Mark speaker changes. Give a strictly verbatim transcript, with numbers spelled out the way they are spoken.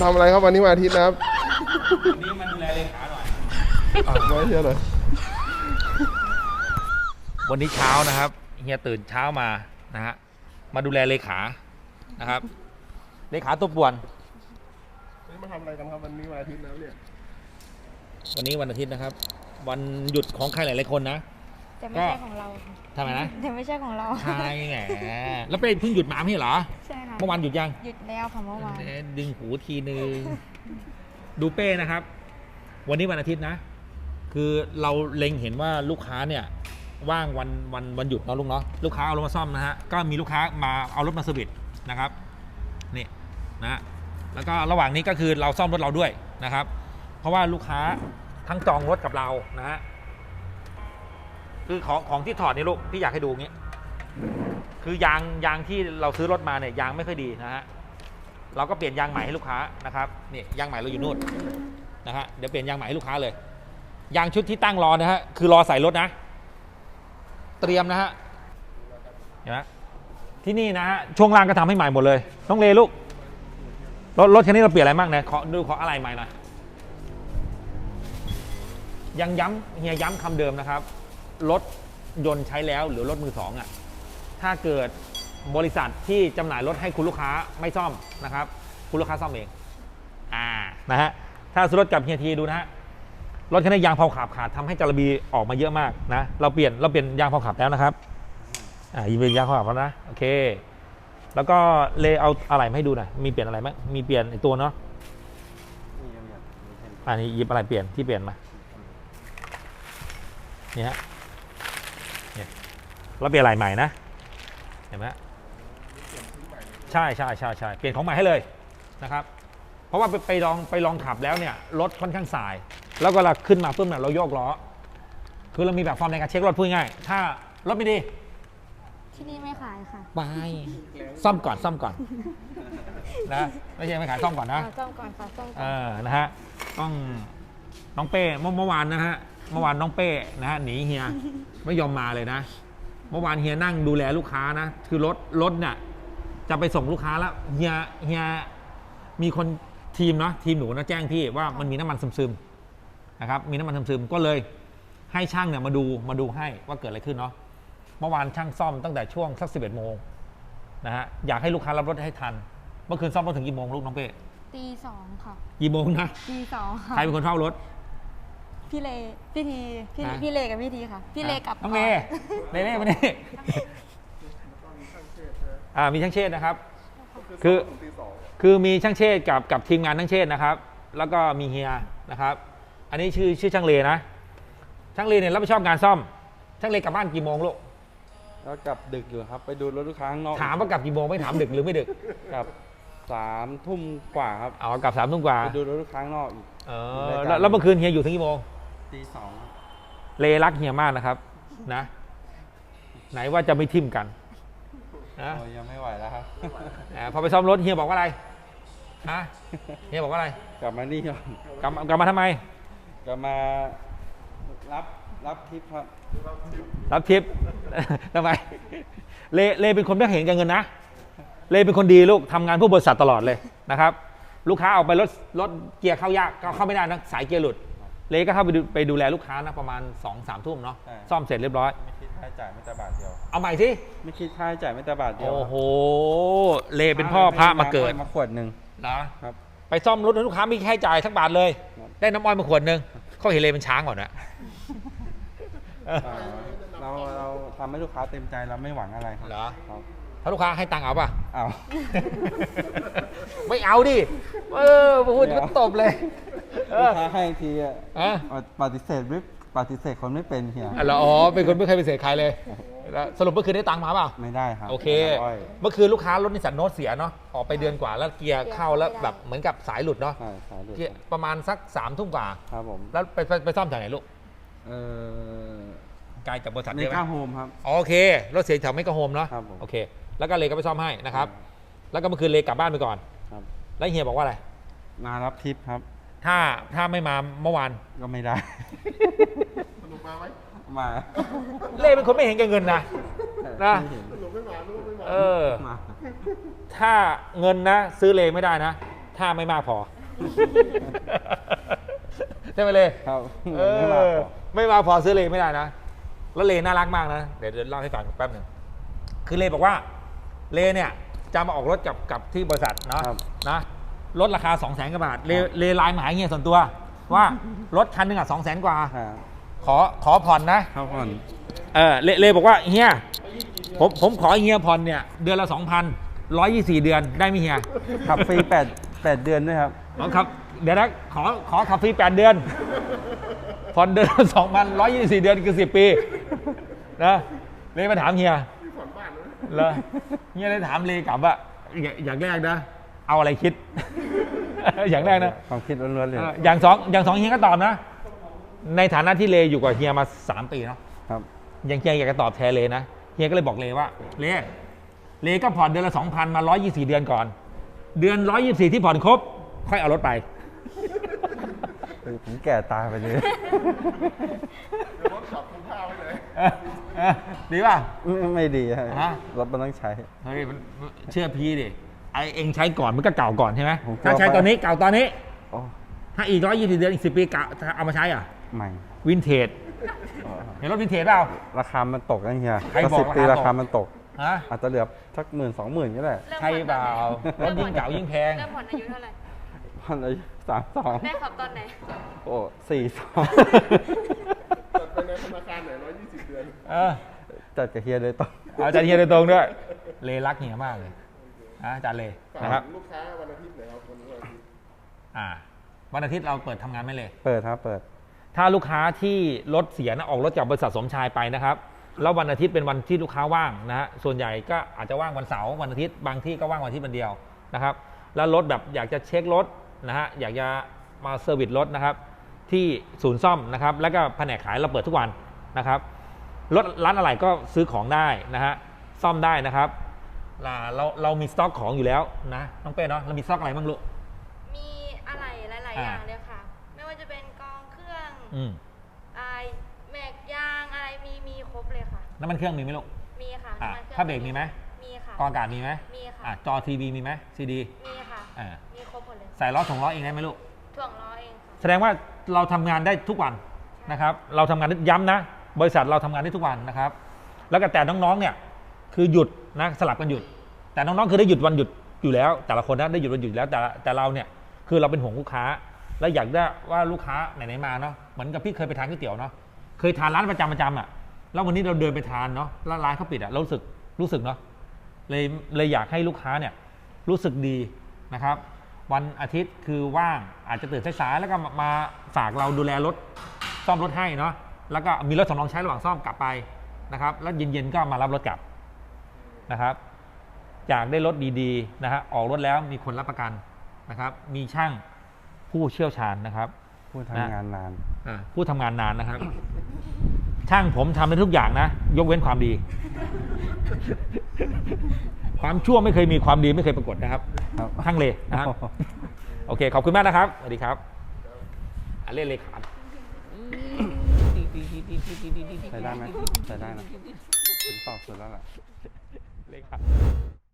Speaker 1: ำอะไรครับวันนี้วันอาทิตย์นะครับ
Speaker 2: วันนี้มาดูแลเลขาหน่อย
Speaker 1: อ่ะไม่เชื่อเลย
Speaker 2: วันนี้เช้านะครับเฮียตื่นเช้ามานะฮะมาดูแลเลขานะครับเลขาตัวป่วน
Speaker 1: นี่มาทำอะไรกันครับวันนี้วันอาทิตย์แล้วเนี่ย
Speaker 2: วันนี้วันอาทิตย์นะครับ วันหยุดของใครหลายๆคนนะ
Speaker 3: แต่ไม่ใช่ของเราค่ะ
Speaker 2: ทำไมนะ
Speaker 3: แต่ไม่ใช่ของเรา
Speaker 2: ใช่แหมแล้วไปเพิ่งหยุดมาไม่ใช่เหรอ
Speaker 3: ใช่ค่ะ
Speaker 2: เมื่อวานหยุดยัง
Speaker 3: หยุดแล้วค่ะเมื่อวาน
Speaker 2: ดึงหูทีนึงดูเป้นะครับ วันนี้วันอาทิตย์นะ คือเราเล็งเห็นว่าลูกค้าเนี่ยว่างวันวันวันหยุดเนาะลุงเนาะลูกค้าเอารถมาซ่อมนะฮะก็มีลูกค้ามาเอารถมาเซอร์วิสนะครับนี่นะฮะแล้วก็ระหว่างนี้ก็คือเราซ่อมรถเราด้วยนะครับ เพราะว่าลูกค้าทั้งจองรถกับเรานะฮะคือของของที่ถอดนี่ลูกพี่อยากให้ดูงี้คือยางยางที่เราซื้อรถมาเนี่ยยางไม่ค่อยดีนะฮะเราก็เปลี่ยนยางใหม่ให้ลูกค้านะครับนี่ยางใหม่เราอยู่นู่นนะฮะเดี๋ยวเปลี่ยนยางใหม่ให้ลูกค้าเลยยางชุดที่ตั้งรอนะฮะคือรอใส่รถนะเตรียมนะฮะเห็นไหมที่นี่นะฮะช่วงล่างก็ทำให้ใหม่หมดเลยต้องเลลูกรถรถคันนี้เราเปลี่ยนอะไรบ้างเนี่ยขอดูขออะไรใหม่หน่อยยังย้ำเฮียย้ำคำเดิมนะครับรถยนต์ใช้แล้วหรือรถมือสองอ่ะถ้าเกิดบริษัทที่จำหน่ายรถให้คุณลูกค้าไม่ซ่อมนะครับคุณลูกค้าซ่อมเองอ่านะฮะถ้าซื้อรถกับเฮียทีดูนะฮะรถคันนี้ยางเผาขาบขาดทำให้จระบีออกมาเยอะมากนะเราเปลี่ยนเราเปลี่ยนยางเผาขาบแล้วนะครับอ่ายิงเป็นยางเผาขาบแล้วนะโอเคแล้วก็เลเอาอะไรมาให้ดูหน่อยมีเปลี่ยนอะไรไหมมีเปลี่ยนไอตัวเนาะอันนี้หยิบอะไรเปลี่ยนที่เปลี่ยนมานี่ฮะเนี่ยเราเปลี่ยนอะไรใหม่นะเห็นไหมใช่ใช่ใช่ใช่เปลี่ยนของใหม่ให้เลยนะครับเพราะว่าไปไปลองไปลองขับแล้วเนี่ยรถค่อนข้างสายแล้วก็เราขึ้นมาปุ๊บเนี่ยเราโยกล้อคือเรามีแบบฟอร์มในการเช็ครถพูดง่ายถ้ารถไม่ดี
Speaker 3: ที่นี่ไม่ขายค่ะ
Speaker 2: ไปซ่อมก่อนซ่อมก่อนนะไม่ใช่ไม่ขายซ่อมก่อนนะ
Speaker 3: ซ่อมก่อนค่ะซ่อมก่
Speaker 2: เอ
Speaker 3: อน
Speaker 2: อนะฮะต้องน้องเป้เมื่อเมื่อวานนะฮะเมื่อวานน้องเป้นะฮะหนีเฮียไม่ยอมมาเลยนะเมื่อวานเฮียนั่งดูแลลูกค้านะคือรถรถเนี่ยจะไปส่งลูกค้าแล้วเฮียเฮียมีคนทีมเนาะทีมหนูนะแจ้งพี่ว่ามันมีน้ำมันซึมๆนะครับมีน้ำมันซึมๆก็เลยให้ช่างเนี่ยมาดูมาดูให้ว่าเกิดอะไรขึ้นเนาะเมื่อวานช่างซ่อมตั้งแต่ช่วงสักสิบเอ็ดโมงนะฮะอยากให้ลูกค้ารับรถให้ทันเมื่อคืนซ่อมรถถึงกี่โมงลูกน้องเป้
Speaker 3: ตีสองค่ะ
Speaker 2: กี่โมงนะ
Speaker 3: ตีสองค่ะ
Speaker 2: ใครเป็นคนเฝ้ารถ
Speaker 3: พี่เลพี่ทีพี่
Speaker 2: ฮะ
Speaker 3: พี่เลกับพี่ทีค่ะ พี่เลกับ
Speaker 2: น้องเมย์เล่เล่มาเนี่ยอ่ามีช่างเชษนะครับ คือคือมีช่างเชษกับกับทีมงานช่างเชษนะครับ แล้วก็มีเฮียนะครับ อันนี้ชื่อชื่อช่างเลนะช่างเลเนี่ยรับผิดชอบงานซ่อมช่างเลกลับบ้านกี่โมงลูก
Speaker 4: แล้วกลับดึกอยู่ครับไปดูรถลูกค้าข้างนอก
Speaker 2: ถามว่ากลับกี่โมงไม่ถามดึกหรือไม่ดึก
Speaker 4: กลับสามทุ่มกว่าครับ
Speaker 2: เอากลับสามทุ่มกว่า
Speaker 4: ไปดูรถลูกค้าข้างนอกอีก
Speaker 2: เออแล้วแล้วเมื่อคืนเฮียอยู่ถึงกี่โมง
Speaker 4: ตีสอง
Speaker 2: เลรักเฮียมากนะครับนะไหนว่าจะไม่ทิ่มกันนะ
Speaker 4: โอ้ยยังไม่ไหวแล้วครับ
Speaker 2: อ่าพอไปซ่อมรถเฮียบอกว่าอะไรฮะเฮียบอกว่าอะไร
Speaker 4: กลับมานี่ก่อน
Speaker 2: กลับกลับมาทำไม
Speaker 4: กลับมารับรับทิปครับ
Speaker 2: รับทิป ทำไมเลเลเป็นคนไม่เห็นแก่เงินนะเลเป็นคนดีลูกทำงานเพื่อบริษัทตลอดเลยนะครับลูกค้าออกไปรถรถเกียร์เข้ายากก็เข้าไม่ได้นะสายเกียร์หลุดเลก็เข้าไปดูไปดูแลลูกค้านะประมาณ สองสาม ทุ่มเนาะซ่อมเสร็จเรียบร้อย
Speaker 4: ไม่คิดค่าใช้จ่ายไม่แต่บาทเดียว
Speaker 2: เอาใหม่สิ
Speaker 4: ไม่คิดค่าใช้จ่ายไม่แต่บาทเดียว
Speaker 2: โอ้โหเลเป็นพ่อพระมาเกิด
Speaker 4: มาขวดหนึ่ง
Speaker 2: นะครับ ไปซ่อมรถให้ลูกค้าไม่มีค่าใช้จ่ายสักบาทเลย
Speaker 4: ครับ
Speaker 2: ได้น้ำอ้อยมาขวดหนึ่งเขาเห็นเลเป็นช้างก่อนนะ
Speaker 4: อ่าเราเราทำให้ลูกค้าเต็มใจเราไม่หวังอะไรครับ
Speaker 2: เหรอ
Speaker 4: ครับ
Speaker 2: ถ้าลูกค้าให้ตังค์เอาป่ะ
Speaker 4: เอา
Speaker 2: ไม่เอาดิ เออพูดก็ตบเลย เอ
Speaker 4: ลู
Speaker 2: อก
Speaker 4: ค้าให้ทีอ่ะ
Speaker 2: อ่ะ
Speaker 4: ปฏิเสธไม่ปฏิเสธคนไม่เป็นเฮีย
Speaker 2: อ่ะเหรออ๋อ เป็นคนไม่เคยไปเสียใครเลยแล้วสรุปเมื่อคืนได้ตังค์มาเปล่า
Speaker 4: ไม่ได้ครับ
Speaker 2: โอเค
Speaker 4: น้ำอ้อย
Speaker 2: เมื่อคืนลูกค้ารถนิสสันโนตเสียเนาะ ออกไปเดือนกว่าแล้วเกียร์เข้าแล้วแบบเหมือนกับสายหลุดเนาะ
Speaker 4: ใช่สายหลุด
Speaker 2: เกียร์ประมาณสักสามทุ่มกว่า
Speaker 4: ครับผม
Speaker 2: แล้วไปไปไปซ่อมจากไหนลูก
Speaker 4: เออ
Speaker 2: ไกลจากบริษัท
Speaker 4: ใน
Speaker 2: เยอะไหม
Speaker 4: ค่าโฮมครับ
Speaker 2: อ๋อโอเค รถเสียแถวไม่กระโฮมเนาะ
Speaker 4: ครับผม
Speaker 2: โอเค แล้วก็เลก็ไปซ่อมให้นะครับ แล้วก็เมื่อคืนเลกลับบ้านไปก่อน
Speaker 4: ครับ
Speaker 2: แล้วเฮียบอกว่าอะไร
Speaker 4: มารับทิปครับ
Speaker 2: ถ้าถ้าไม่มาเมื่อวาน
Speaker 4: ก็ไม่ได้
Speaker 1: สนุกมาไหม
Speaker 4: มา
Speaker 2: เล่เป็นคนไม่เห็นแก่เงินนะ นะ
Speaker 4: ไม่เห็น
Speaker 1: สนุกไม่มาลูกไม่มา
Speaker 2: เออ
Speaker 4: มา
Speaker 2: ถ้าเงินนะซื้อเลไม่ได้นะ ถ้าไม่มากพอใช่ไหมเลย
Speaker 4: ครับ
Speaker 2: เอ
Speaker 4: ไม่มาก
Speaker 2: อ
Speaker 4: พอ
Speaker 2: ไม่มาพอซื้อเลไม่ได้นะ แล้วเลน่ารักมากนะ เดี๋ยวเดี๋ยวเล่าให้ฟังแป๊บหนึ่งคือเลบอกว่าเลเนี่ยจะมาออกรถกับกับที่บริษัทเนาะ
Speaker 4: ครับ
Speaker 2: นะลดราคา สองแสนกว่าบาทเลเลไลน์มาหาเฮียส่วนตัว ว่ารถคันหนึ่งอ่ะสองแสนกว่า
Speaker 4: อ่า
Speaker 2: ขอขอผ่อนนะ
Speaker 4: เข้าผ่อน
Speaker 2: เออเลเลบอกว่าเฮียผมผมขอเฮียผ่อนเนี่ยเดือนละสองพันร้อยยี่สี่เดือนได้ไหมเฮีย
Speaker 4: ขับฟรีแปดแปดเดือนด้วยครับ
Speaker 2: อ๋อครับเดี๋ยวนะขอขอขับฟรีแปดเดือนผ่อนเดือนสองพันร้อยยี่สี่เดือนคือสิบปีนะเลมาถามเฮีย
Speaker 1: ที่ผ่อนบ้านนะ
Speaker 2: เหรอเฮียเลยถามเลกลับว่าอย่าอย่างแรกนะ เอาอะไรคิด อย่างแรกนะ
Speaker 4: ความคิดล้วนๆเลย
Speaker 2: เอออย่างสองอย่างสองเฮียก็ตอบนะ ในฐานะที่เลอยู่กับเฮียมาสามปีเนาะ
Speaker 4: ครับ
Speaker 2: ยังเฮียอยากจะตอบแทนเลนะเฮียก็เลยบอกเลว่าเลเลก็ผ่อนเดือนละสองพันมาร้อยยี่สี่เดือนก่อน เดือนร้อยยี่สี่ที่ผ่อนครบ ค่อยเอารถไป
Speaker 4: ผมแก่ตายไปเลย
Speaker 1: เดี๋ยวรถขับคุ้มค่าไว้เลย
Speaker 2: เออเออดีป่ะ
Speaker 4: ไม่ไม่ดีครับ
Speaker 2: ฮะ
Speaker 4: รถมันต้องใช้
Speaker 2: เฮ้ยมันเชื่อพี่ดิไอเองใช้ก่อนมันก็เก่าก่อนใช่ไหม
Speaker 4: ผมกลัว
Speaker 2: ถ้าใช้ตอนนี้เก่าตอนนี้
Speaker 4: โอ้
Speaker 2: ถ้าอีกร้อยยี่สิบเดือนอีกสิบปีเก่าเอามาใช้อ่ะ
Speaker 4: ใหม่
Speaker 2: วินเทจเห็นรถวินเทจเปล่า
Speaker 4: ราคามันตกนะเฮีย
Speaker 2: ใครบอก
Speaker 4: สิบปี
Speaker 2: รา
Speaker 4: รา
Speaker 2: คา
Speaker 4: คา
Speaker 2: ตก
Speaker 4: มันตก
Speaker 2: ฮะ
Speaker 4: อาจจะเหลือสักหมื่นสองหมื่นก็ได้
Speaker 2: ใช่เปล่ารถยิ่งเก่ายิ่งแพง
Speaker 3: เริ่มผ่อนอายุเท่าไหร่
Speaker 4: พันอายุสามสอง
Speaker 3: ได้ขับตอนไหน
Speaker 4: โอ้สี่สอง
Speaker 1: จัดไปในธนาคารไหนร้อยยี่สิบเดือน
Speaker 2: เออ
Speaker 4: จัดกับเฮียเลยต้อง
Speaker 2: เอาอาจารย์เฮียโดยตรงด้วย เลรักเฮียมากเลยนะอาจารย์เล
Speaker 1: ฝาก
Speaker 2: นะครับ
Speaker 1: ลูกค้าวันอาทิตย์หน่อยครับวันนี้วันอาทิตย์
Speaker 2: อ่าวันอาทิตย์เราเปิดทำงานไหม่เลย
Speaker 4: เปิดครับเปิด
Speaker 2: ถ้าลูกค้าที่รถเสียนะออกรถจากบริษัทสมชายไปนะครับแล้ววันอาทิตย์เป็นวันที่ลูกค้าว่างนะฮะส่วนใหญ่ก็อาจจะว่างวันเสาร์วันอาทิตย์บางที่ก็ว่างวันอาทิตย์วันเดียวนะครับแล้วรถแบบอยากจะเช็ครถนะฮะอยากจะมาเซอร์วิสรถนะครับที่ศูนย์ซ่อมนะครับแล้วก็แผนกขายเราเปิดทุกวันนะครับรถร้านอะไรก็ซื้อของได้นะฮะซ่อมได้นะครับอ่าเราเรามีสต็อกของอยู่แล้วนะน้องเป้เนาะเรามีสต็อกอะไรบ้างลูก
Speaker 3: มีอะไรหลาย ๆ
Speaker 2: อ่า
Speaker 3: อย่างเลยค่ะ ไม่ว่าจะเป็นกองเครื่อง
Speaker 2: อืม
Speaker 3: ไอแม็กยางอะไรมีมีครบเลยค่ะ
Speaker 2: น้ำมันเครื่องมีไหมลูก
Speaker 3: มีค่ะ
Speaker 2: อ่า
Speaker 3: น้ำมันคอง
Speaker 2: ผ้าเบรกมีไหม
Speaker 3: มีค่ะ
Speaker 2: กองอากาศมีไหม
Speaker 3: มีค่ะ
Speaker 2: อ่ะจอทีวีมีไหมซีดี
Speaker 3: มีค่ะ
Speaker 2: อ่า
Speaker 3: มีครบหมดเลย
Speaker 2: ใส่ล้อถงล้อเองได้ไหมลูก
Speaker 3: ถ่วงล้อเองค่ะ
Speaker 2: แสดงว่าเราทำงานได้ทุกวันนะครับ เราทำงานได้ย้ำนะ บริษัทเราทำงานได้ทุกวันนะครับ แล้วก็แต่น้องๆเนี่ยคือหยุดนะสลับกันหยุด แต่น้องๆคือได้หยุดวันหยุดอยู่แล้ว แต่ละคนนะได้หยุดวันหยุดอยู่แล้วแต่แต่เราเนี่ยคือเราเป็นห่วงลูกค้า และอยากได้ว่าลูกค้าไหนๆมาเนาะเหมือนกับพี่เคยไปทานก๋วยเตี๋ยวเนาะเคยทานร้านประจำประจำอ่ะแล้ววันนี้เราเดินไปทานเนาะแล้วร้านเขาปิดอ่ะเรารู้สึกรู้สึกเนาะเลยเลยอยากให้ลูกค้าเนี่ยรู้สึกดีนะครับ วันอาทิตย์คือว่างอาจจะตื่นสายๆแล้วก็มามาฝากเราดูแลรถซ่อมรถให้เนาะแล้วก็มีรถสำรองใช้ระหว่างซ่อมกลับไปนะครับแล้วเย็นๆก็มารับรถกลับนะครับอยากได้รถดีๆนะฮะออกรถแล้วมีคนรับประกันนะครับมีช่างผู้เชี่ยวชาญนะครับ
Speaker 4: ผู้ทำงานนาน
Speaker 2: อ่าผู้ทำงานนานนะครับ ช่างผมทำได้ทุกอย่างนะ ยกเว้นความดี ความชั่วไม่เคยมีความดีไม่เคยปรากฏนะครับ
Speaker 4: ครับ
Speaker 2: ช่างเลนะครับ โอเค ขอบคุณมากนะครับ สวัสดีครับอ่ะเล่นเลยขาด
Speaker 4: ใช้ได้ไหมใช้ได้นะผมตอบสุดแล้วล่ะ
Speaker 2: เลขา